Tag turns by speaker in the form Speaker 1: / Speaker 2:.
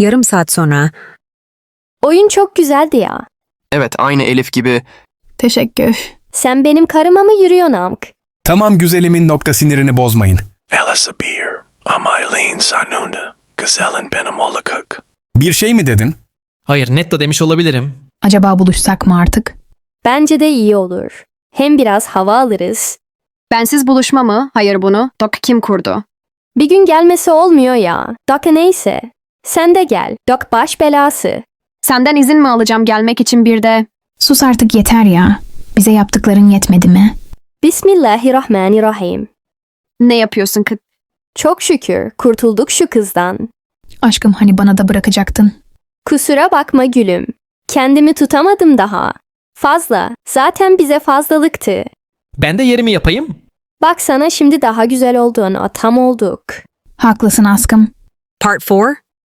Speaker 1: Yarım saat sonra.
Speaker 2: Oyun çok güzeldi ya.
Speaker 3: Evet, aynı Elif gibi.
Speaker 4: Teşekkür.
Speaker 2: Sen benim karıma mı yürüyorsun amk?
Speaker 5: Tamam güzelimin nokta sinirini bozmayın.
Speaker 6: Elisa Beer, Amaylene Sanunda, Gazel'in benim olacak.
Speaker 5: Bir şey mi dedin?
Speaker 7: Hayır, netto demiş olabilirim.
Speaker 4: Acaba buluşsak mı artık?
Speaker 2: Bence de iyi olur. Hem biraz hava alırız.
Speaker 8: Bensiz buluşma mı? Hayır bunu. Doc kim kurdu?
Speaker 2: Bir gün gelmesi olmuyor ya. Doc neyse. Sen de gel. Doc baş belası.
Speaker 8: Senden izin mi alacağım gelmek için bir de?
Speaker 4: Sus artık yeter ya. Bize yaptıkların yetmedi mi?
Speaker 2: Bismillahirrahmanirrahim.
Speaker 8: Ne yapıyorsun kız?
Speaker 2: Çok şükür kurtulduk şu kızdan.
Speaker 4: Aşkım hani bana da bırakacaktın.
Speaker 2: Kusura bakma gülüm. Kendimi tutamadım daha. Fazla. Zaten bize fazlalıktı.
Speaker 7: Ben de yerimi yapayım.
Speaker 2: Bak sana şimdi daha güzel olduğunu tam olduk.
Speaker 4: Haklısın aşkım.
Speaker 1: Part 4.